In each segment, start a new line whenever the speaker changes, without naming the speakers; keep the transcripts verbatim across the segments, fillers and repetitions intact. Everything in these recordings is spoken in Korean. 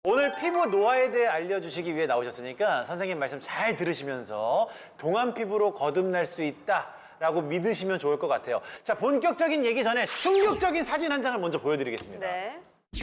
오늘 피부 노화에 대해 알려주시기 위해 나오셨으니까 선생님 말씀 잘 들으시면서 동안 피부로 거듭날 수 있다라고 믿으시면 좋을 것 같아요. 자, 본격적인 얘기 전에 충격적인 사진 한 장을 먼저 보여드리겠습니다.
네.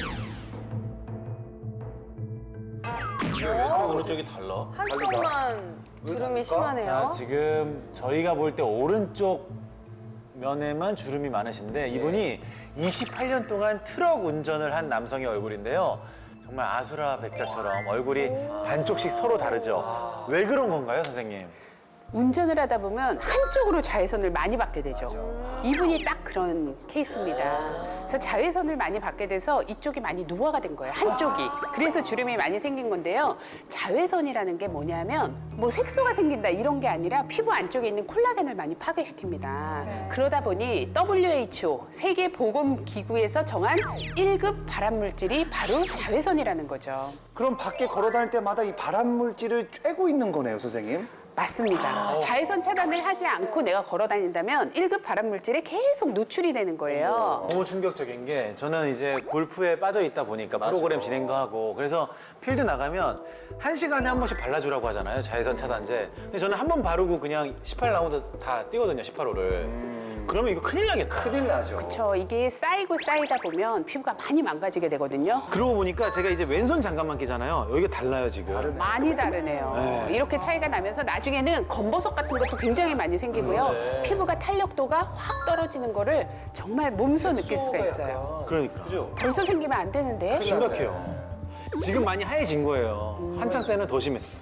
왼쪽 오른쪽이 달라.
한쪽만 주름이 심하네요.
자, 지금 저희가 볼 때 오른쪽 면에만 주름이 많으신데 이분이 이십팔 년 동안 트럭 운전을 한 남성의 얼굴인데요. 정말 아수라 백자처럼 얼굴이 반쪽씩 서로 다르죠. 왜 그런 건가요, 선생님?
운전을 하다 보면 한쪽으로 자외선을 많이 받게 되죠. 이분이 딱 그런 케이스입니다. 그래서 자외선을 많이 받게 돼서 이쪽이 많이 노화가 된 거예요, 한쪽이. 그래서 주름이 많이 생긴 건데요. 자외선이라는 게 뭐냐면 뭐 색소가 생긴다 이런 게 아니라 피부 안쪽에 있는 콜라겐을 많이 파괴시킵니다. 그러다 보니 더블유에이치오, 세계보건기구에서 정한 일 급 발암물질이 바로 자외선이라는 거죠.
그럼 밖에 걸어 다닐 때마다 이 발암 물질을 쬐고 있는 거네요, 선생님.
맞습니다. 자외선 차단을 하지 않고 내가 걸어 다닌다면 일 급 발암 물질에 계속 노출이 되는 거예요.
너무 충격적인 게 저는 이제 골프에 빠져 있다 보니까 프로그램 진행도 하고 그래서 필드 나가면 한 시간에 한 번씩 발라주라고 하잖아요, 자외선 차단제. 근데 저는 한 번 바르고 그냥 십팔 라운드 다 뛰거든요, 십팔 홀을. 그러면 이거 큰일 나겠다.
큰일 나죠.
그렇죠. 이게 쌓이고 쌓이다 보면 피부가 많이 망가지게 되거든요.
그러고 보니까 제가 이제 왼손 장갑만 끼잖아요. 여기가 달라요, 지금.
많이 다르네요.
네.
이렇게 차이가 나면서 나중에는 검버섯 같은 것도 굉장히 많이 생기고요.
네.
피부가 탄력도가 확 떨어지는 거를 정말 몸소 느낄 수가 있어요.
그러니까.
벌써 생기면 안 되는데.
심각해요. 지금 많이 하얘진 거예요. 한창 때는 더 심했어.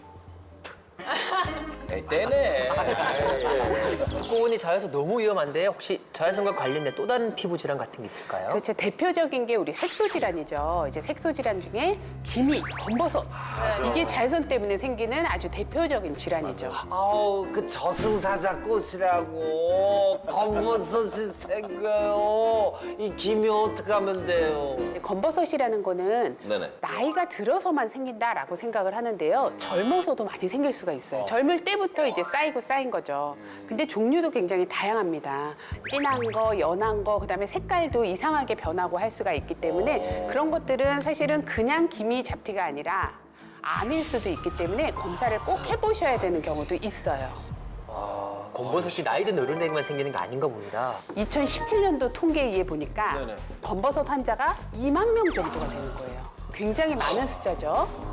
에이, 떼네.
듣고 보니 자외선 너무 위험한데 혹시 자외선과 관련된 또 다른 피부 질환 같은 게 있을까요?
그렇죠. 대표적인 게 우리 색소 질환이죠. 이제 색소 질환 중에 기미, 검버섯. 이게 자외선 때문에 생기는 아주 대표적인 질환이죠.
아우, 그 저승사자 꽃이라고 검버섯이 생겨요. 이 김이 어떡하면 돼요?
검버섯이라는 거는
네네.
나이가 들어서만 생긴다라고 생각을 하는데요. 젊어서도 많이 생길 수가 있어요. 젊을 때부터 이제 쌓이고 쌓인 거죠. 근데 종류도 굉장히 다양합니다. 진한 거, 연한 거, 그다음에 색깔도 이상하게 변하고 할 수가 있기 때문에 그런 것들은 사실은 그냥 기미 잡티가 아니라 암일 수도 있기 때문에 검사를 꼭 해보셔야 되는 경우도 있어요.
검버섯이 나이 든 어른에게만 생기는 게 아닌가 봅니다.
이천십칠 년도 통계에 의해 보니까
네네.
검버섯 환자가 이만 명 정도가 되는 거예요. 굉장히 많은 숫자죠.